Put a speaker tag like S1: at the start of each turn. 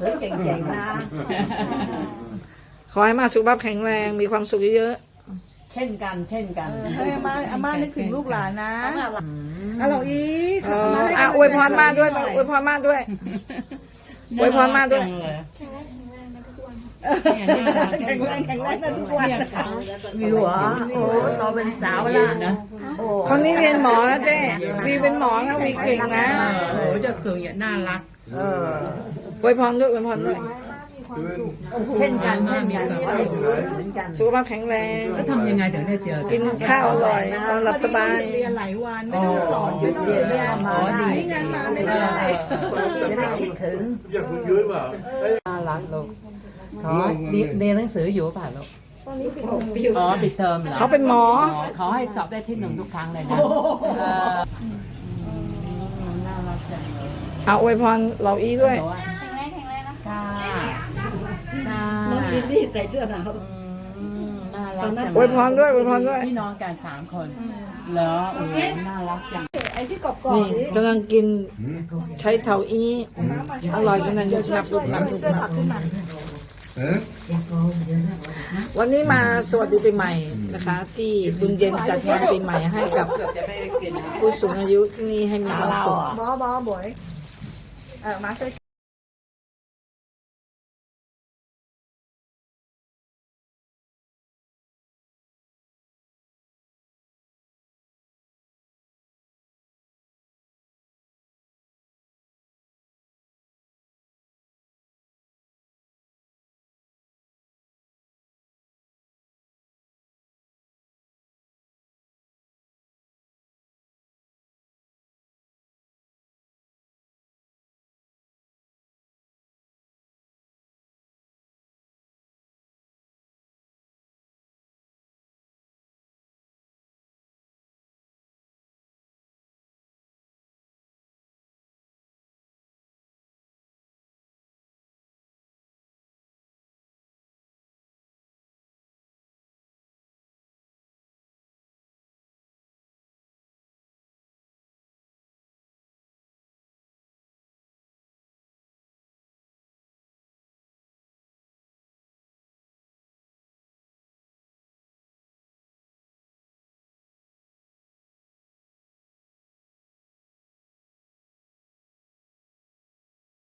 S1: สือเก่งๆนะ
S2: ขอให้มาสุขภาพแข็งแรงมีความสุขเยอะ
S1: เช่นกัน
S3: ให้อาม่านึกถึงลูกหลานนะเราอีก
S2: ๆอวยพรมาด้วยอวยพรมาด้วยอวยพรมาด้วย
S3: แข็งแรงนะทุกวัน
S1: วิวอ๋อโอ้โตเป็นสาวแล้วนะโอ้
S2: คนนี้เรียนหมอนะเจ๊วีเป็นหมอนะวีเก่งนะ
S4: โอ้จะสวยน่ารัก
S2: อวยพรด้วยอวยพรด้วย
S1: เช่นกันเหมือนกัน
S2: สุขภาพแข็งแรง
S4: แล้วทำยังไงถึงได้เจอ
S2: กินข้าวอร่อยนอนหลับสบาย
S3: เรียนหลายวันไม่ต้องสอนไม่ต้องเรียนงานมาไม่ได้
S1: จะได้คิดถึง
S5: อยากคุณยุ้ยเปล่า
S4: น่ารักลูกขอเรียนหนังสืออยู่ป่ะลูกอ๋อปิดเทอมเหรอ
S2: เขาเป็นหมอ
S4: ขอให้สอบได้ที่หนึ่งทุกครั้งเลยนะน่ารักจังเลย
S2: เอาอวยพรเราอีด้วย
S4: ค่ะค่ะ
S3: น้องลิลลี่ใส่เสื้อหนาว
S4: น่ารักจัง
S2: อวยพรด้วยอวยพรด้วย
S4: พี่น้องกัน3 คนเหรอน่ารักจัง
S3: ไอ้ที่กรอบ
S2: นี่
S3: ๆนี้
S2: กำลังกินใช้เถาอีอร่อยขนาดยุบนับ
S3: ช่วยผักขึ้นมา
S2: วันนี้มาสวัสดีปีใหม่นะคะ ที่บุญเย็นจัดงานปีใหม่ให้กับผู้สูงอายุที่นี่ให้มีความสุข
S3: บอบอยมาช่วย